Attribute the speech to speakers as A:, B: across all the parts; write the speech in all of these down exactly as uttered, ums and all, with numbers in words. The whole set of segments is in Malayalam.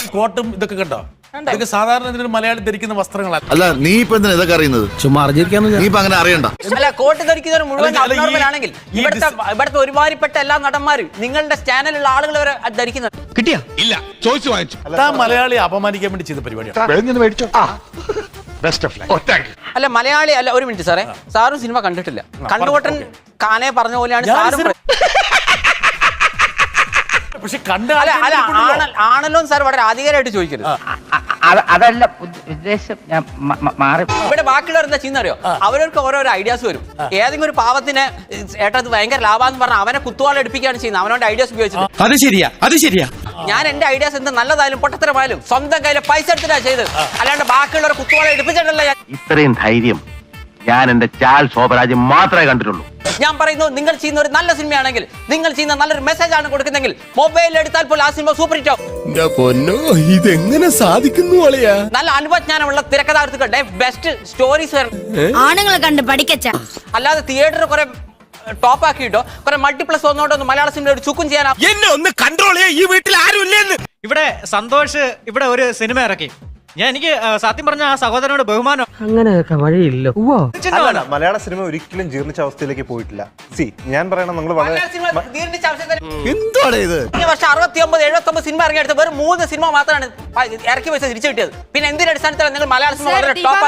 A: കോട്ടും ഇതൊക്കെ കണ്ടോ? ഇതൊക്കെ സാധാരണ ഇതിന് മലയാളി ധരിക്കുന്ന വസ്ത്രങ്ങളല്ല.
B: അല്ല നീ ഇപ്പൊ എന്തിനാ ഇതൊക്കെ അറിയുന്നത്?
C: ചുമ്മാ അറിഞ്ഞിരിക്കാന്ന്
B: നീ ഇപ്പൊ അങ്ങനെ അറിയണ്ട.
D: അല്ല കോട്ട് ധരിക്കുന്നവർ മുഴുവൻ അബ്നോർമൽ ആണെങ്കിൽ ഇവിടുത്തെ ഇവിടുത്തെ ഒരുമാതിരിപ്പെട്ട എല്ലാ നടന്മാരും നിങ്ങളുടെ ചാനലിലുള്ള ആളുകൾ വരെ ധരിക്കുന്നത്
C: കിട്ടിയാ ഇല്ല ചോദിച്ചു വാങ്ങിച്ചു.
A: താൻ മലയാളി അപമാനിക്കാൻ വേണ്ടി ചെയ്ത പരിപാടിയാണ്.
D: അല്ല മലയാളി അല്ല. ഒരു മിനിറ്റ് സാറേ, സാറും സിനിമ കണ്ടിട്ടില്ല. കണ്ണുകൊട്ടൻ കാനെ പറഞ്ഞ പോലെയാണ് സാറും.
A: പക്ഷെ കണ്ട
D: ആണല്ലോ സാർ വളരെ അധികാരമായിട്ട് ചോദിക്കരുത്.
E: അതല്ല ഉദ്ദേശം, ഞാൻ മാറി.
D: ഇവിടെ ബാക്കിയുള്ളവർ എന്താ ചെയ്യുന്ന അറിയോ? അവർക്ക് ഓരോരോ ഐഡിയാസ് വരും. ഏതെങ്കിലും ഒരു പാവത്തിന് ഏട്ടാ ഇത് ഭയങ്കര ലാഭാന്ന് പറഞ്ഞാൽ അവനെ കുത്തുവാള എടുപ്പിക്കുകയാണ് ചെയ്യുന്നത്. അവനോട് ഐഡിയാസ് ഉപയോഗിച്ചത്.
C: അത് ശരിയാ അത് ശരിയാ.
D: ഞാൻ എന്റെ ഐഡിയാസ് എന്ത് നല്ലതായാലും പൊട്ടത്തരമായാലും സ്വന്തം കയ്യിലെ പൈസ എടുത്തിട്ടാ ചെയ്തത്, അല്ലാണ്ട് ബാക്കിയുള്ളവർ കുത്തുവാള എടുപ്പിച്ചിട്ടല്ല. ഞാൻ
F: ഇത്രയും ധൈര്യം ഞാൻ എന്റെ ചാൽ ശോഭരാജ് മാത്രമേ കണ്ടിട്ടുള്ളൂ.
D: ഞാൻ പറയുന്നു, നിങ്ങൾ ചെയ്യുന്ന ഒരു നല്ല സിനിമയാണെങ്കിൽ, നിങ്ങൾ ചെയ്യുന്ന നല്ലൊരു മെസ്സേജ് ആണ് കൊടുക്കുന്നെങ്കിൽ മൊബൈലിൽ എടുത്താൽ പോലും ആ സിനിമ സൂപ്പർ ഹിറ്റ് ആവും.
C: ഇതെങ്ങനെ സാധിക്കുന്നു?
D: നല്ല അനുഭവജ്ഞാനമുള്ള തിരക്കഥാകൃത്തുക്കളുടെ ബെസ്റ്റ് സ്റ്റോറീസ്
G: ആണുങ്ങളെ കണ്ട് പഠിക്കച്ച.
D: അല്ലാതെ തിയേറ്റർ കുറെ ടോപ്പ് ആക്കിയിട്ടോ കുറെ മൾട്ടിപ്ലസ് ഒന്നോട്ടൊന്നും മലയാള സിനിമ ഒരു ചുക്കും ചെയ്യാൻ.
C: എന്നെ ഒന്ന് കൺട്രോൾ ചെയ്യാ. ഈ വീട്ടിൽ ആരും ഇല്ലെന്ന്. ഇവിടെ സന്തോഷ് ഇവിടെ ഒരു സിനിമ ഇറക്കി. ഞാൻ എനിക്ക് സത്യം പറഞ്ഞ ആ സഹോദരനോട് ബഹുമാനം.
E: അങ്ങനെയൊക്കെ വഴിയില്ല.
H: മലയാള സിനിമ ഒരിക്കലും ജീർണിച്ച അവസ്ഥയിലേക്ക് പോയിട്ടില്ല. സി ഞാൻ പറയണം, നിങ്ങൾ വളരെ
B: എന്താണ് ഇത്?
D: ഈ വർഷം അറുപത്തി ഒമ്പത് എഴുപത്തി ഒമ്പത് സിനിമ ഇറങ്ങിയെടുത്ത് വെറും മൂന്ന് സിനിമ മാത്രമാണ് ഇറക്കി പൈസ തിരിച്ചു കിട്ടിയത്. പിന്നെ എന്തിന്റെ അടിസ്ഥാനത്തിലാണ് നിങ്ങൾ മലയാള സിനിമ വളരെ ടോപ്പ്?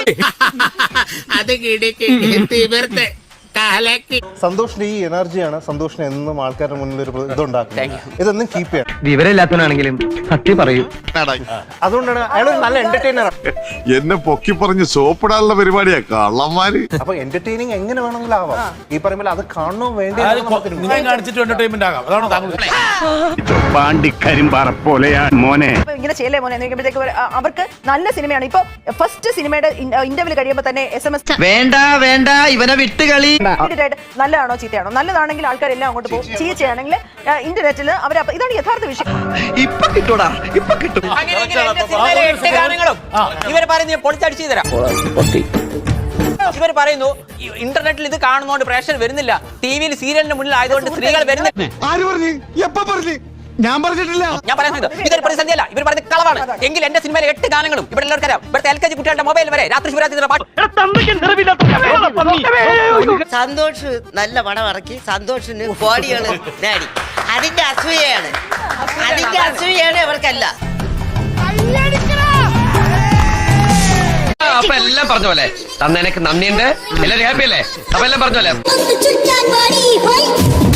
H: സന്തോഷിന്റെ ഈ എനർജിയാണ് സന്തോഷിനെ എന്നും ആൾക്കാരുടെ മുന്നിൽ ഒരു ഇതുണ്ടാക്കുന്നത്. ഇതൊന്നും കീപ്പ് ചെയ്യണം.
F: വിവരമില്ലാത്തവനാണെങ്കിലും സത്യം പറയൂ.
H: അതുകൊണ്ടാണ് അയാൾ നല്ല എന്റർടൈനർ.
B: എന്നെ പൊക്കി പറഞ്ഞ് സോപ്പിടാനുള്ള പരിപാടിയാ കള്ളന്മാര്.
H: അപ്പൊ എന്റർടൈനിങ് എങ്ങനെ വേണമെങ്കിലും ആവാം. ഈ പറയുമ്പോൾ അത് കാണണോ വേണ്ടി
A: നിങ്ങൾ കാണിച്ചിട്ട് എന്റർടൈൻമെന്റ് ആകാം. അതാണ് താങ്കൾ
F: പാണ്ടിക്കരിമ്പാറ പോലെയാ മോനെ.
I: ഇങ്ങനെ ചെയ്യലേ മോനെ നോക്കുമ്പോഴത്തേക്ക് അവർക്ക് നല്ല സിനിമയാണ്. ഇപ്പൊ ഫസ്റ്റ് സിനിമയുടെ ഇന്റർവ്യൂ കഴിയുമ്പോൾ തന്നെ എസ് എം എസ്
E: വേണ്ട വേണ്ട ഇവനെ വിട്ടുകളി.
I: നല്ലതാണോ ചീത്തയാണോ? നല്ലതാണെങ്കിൽ ആൾക്കാരെല്ലാം അങ്ങോട്ട് പോകും. ചീത്തയാണെങ്കിൽ ഇന്റർനെറ്റിൽ അവർ ഇതാണ് യഥാർത്ഥ വിഷയം.
C: ഇപ്പൊ കിട്ടൂടാ ഇപ്പൊ കിട്ടും.
D: ഇവർ പറയുന്നത് പൊളിച്ചടിച്ചു തരാം. ഇവർ പറയുന്നു ഇന്റർനെറ്റിൽ ഇത് കാണുന്നതുകൊണ്ട് പ്രേക്ഷകർ വരുന്നില്ല, ടി വിയിൽ സീരിയലിന് മുന്നിൽ ആയതുകൊണ്ട് സ്ത്രീകൾ വരുന്നില്ല.
C: ആര് പറഞ്ഞു? എപ്പോ പറഞ്ഞു? ഞാൻ പറഞ്ഞിട്ടില്ല.
D: ഞാൻ പറയുന്നത് ഇതൊരു പ്രതിസന്ധിയല്ല. ഇവർ പറയുന്നത് കളവാണ്. എങ്കിൽ എന്റെ സിനിമയിലെ എട്ട് ഗാനങ്ങളും ഇവിടെ എല്ലാവർക്കും അറിയാം. ഇവിടുത്തെ എൽ കെ ജി കുട്ടികളുടെ മൊബൈൽ വരെ രാത്രി ശിവരാത്രി പാട്ട്.
E: സന്തോഷ് നല്ല പണം ഇറക്കി, സന്തോഷിന് കോടികള് നേടി. അതിന്റെ അസൂയയാണ്, അതിന്റെ അസൂയയാണ് ഇവർക്കല്ല.
F: അപ്പൊ എല്ലാം പറഞ്ഞ പോലെ തന്നെ എനിക്ക് നന്ദിയുണ്ട്. എല്ലാവരും ഹാപ്പി അല്ലേ? അപ്പൊ എല്ലാം പറഞ്ഞ പോലെ